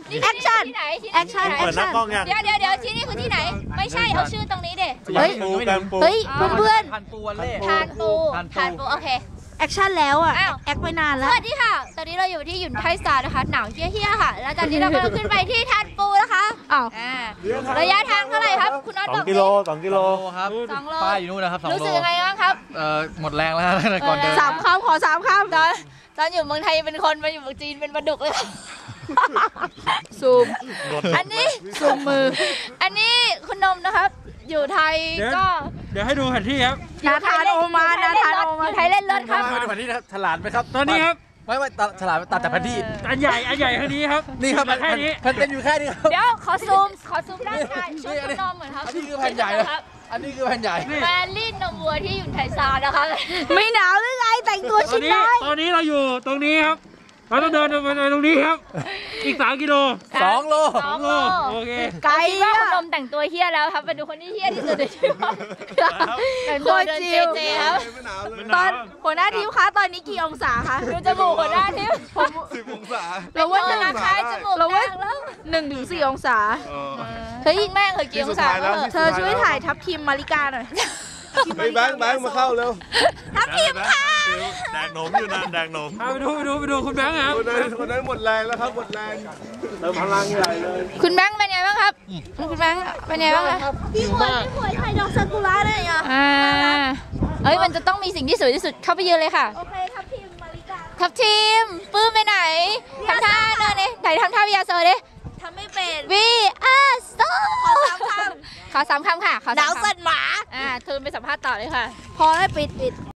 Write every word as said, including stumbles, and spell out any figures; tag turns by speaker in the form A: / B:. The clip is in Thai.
A: แอคชั่น
B: ที่ไหนที่ไหน
A: แอคชั่นแอคชั่น
B: เดี๋ยวเดี๋ยวเดี๋ยวที่นี่คือที่ไหนไม่ใช่เอาชื่อตรงนี้เด็
A: เฮ้ยเฮ้ยเพื่อนเพื่อน
C: ทานปูวันเล่
B: ทานปูทานปูโอเค
A: แอคชั่นแล้วอ่ะ
B: อ้าว
A: แอคไปนาน
B: ส
A: แล้ว
B: วัสดีค่ะตอนนี้เราอยู่ที่หยุนไทสตาร์นะคะหนาวเฮี้ยๆค่ะแล้วตอนนี้เรากำลังขึ้นไปที่ทานปูนะคะ
A: อ้าว
B: อ่าระยะทางเท่าไหร่ครับคุณน็อต
D: ส
B: บ
D: อ
B: อง ก
D: กิโลสองกิโล
C: ครับ
B: สองโล
C: ป้ายอยู่นู่นนะครับสองโล
B: รู้สึกยังไงบ้างครับ
C: เอ่อหมดแรงแล้วนะก่อนเดิน
A: สามคำขอสามค
B: ตอนตอนอยู่เมืองไทยเป็นคนมาอยู่เมืองจีนเป็นปลาดุกเลย
A: ำซูม
B: อันนี้
A: ซูมมือ
B: อันนี้คุณนมนะครับอยู่ไทยก็
E: เดี๋ยวให้ดูแผนที่ครับ
A: นาธานโอมานาธานโอ
B: อ
A: มา
B: ยู่ไทยเล่นรถครับ
C: มาดูแผนที่นะครับฉลาดไหมครับ
E: ตอนนี้ครับ
C: ไม่ไม่ตัดฉลาดตัดจากแผนที่
E: อันใหญ่อันใหญ่แค่นี้ครับ
C: นี่ครับ
E: แค่นี้
C: แผ่นเต็มอยู่แค่นี้ครับ
B: เดี๋ยวขอซูมขอซูมด้านในชุดคุณนมเหมือนครับ
C: อันนี้คือแผ่นใหญ่นะ
B: ครับ
C: อันนี้คือแผ่นใหญ่
B: แมนลี่นมวัวที่อยู่ไทยซาวนะคะ
A: ไม่หนาวหรือไงแต่งตัว
E: ตอ
A: ชิ
E: น
A: ด
E: นี้
A: ได้
E: ตอนนี้เราอยู่ตรงนี้ครับ เราต้องเดินไปตรงนี้ครับ อีกสามกิโล
C: สองโล
B: สองโล
E: โอเค
A: ไกล
B: คิดว่า
A: อะ
B: คุณนมแต่งตัวเฮี้ยแล้วครับไปดูคนที่เฮี้ยที่สุดในชีวิตแต่งตัวเดินเจเจครับ
A: ตอนหัวหน้าทีมคะตอนนี้กี่องศาคะ
B: ดูจมูกหัวหน้าทิพย์
D: สิบองศา
A: เราว่าห
B: ธ
A: นึ่ง
B: นาคารจมูก
A: เราว่า
B: แดงแล้ว
A: หนึ่งถึงสี่องศา
B: เฮ้ยแม่งเคยกี่องศาแล้ว
A: เธอช่วยถ่ายทับทีมมาริกาหน่อย
D: ไปแบงค์แบงค์มาเข้าเร็ว
A: ทับทีมค่ะ
D: แดกหนมอยู่นะแดกหนม
E: เอาไปดูไปดูไปดูคุณแบงค์ครับ
D: คนนั้นคนนั้นหมดแรงแล้วครับหมดแรงเติมพลังใหญ่เลย
B: คุณแบงค์เป็นไงบ้างครับคุณแบงค์เป็นไงบ้างครับ
A: พี่หวยพี่หวยถ่ายดอกซากุระได้ยัง
B: อ่าเอ้ยมันจะต้องมีสิ่งที่สวยที่สุดเข้าไปยืนเลยค่ะ
A: โอเคทับทีมมาริกา
B: ทัพทีมปื้มไปไหนทำท่าเนินเลยไหนทำท่าวิยาโซดิ
A: ทำไม่เป็น
B: วีอาโซ
A: ขอสามคำ
B: ขอสามคำค่ะขอ
A: หนาว
B: สาม
A: สั่น
B: คำ
A: หมา
B: อ่าทูนไปสัมภาษณ์ต่อเลยค่ะ
A: พอแล้วปิดปิด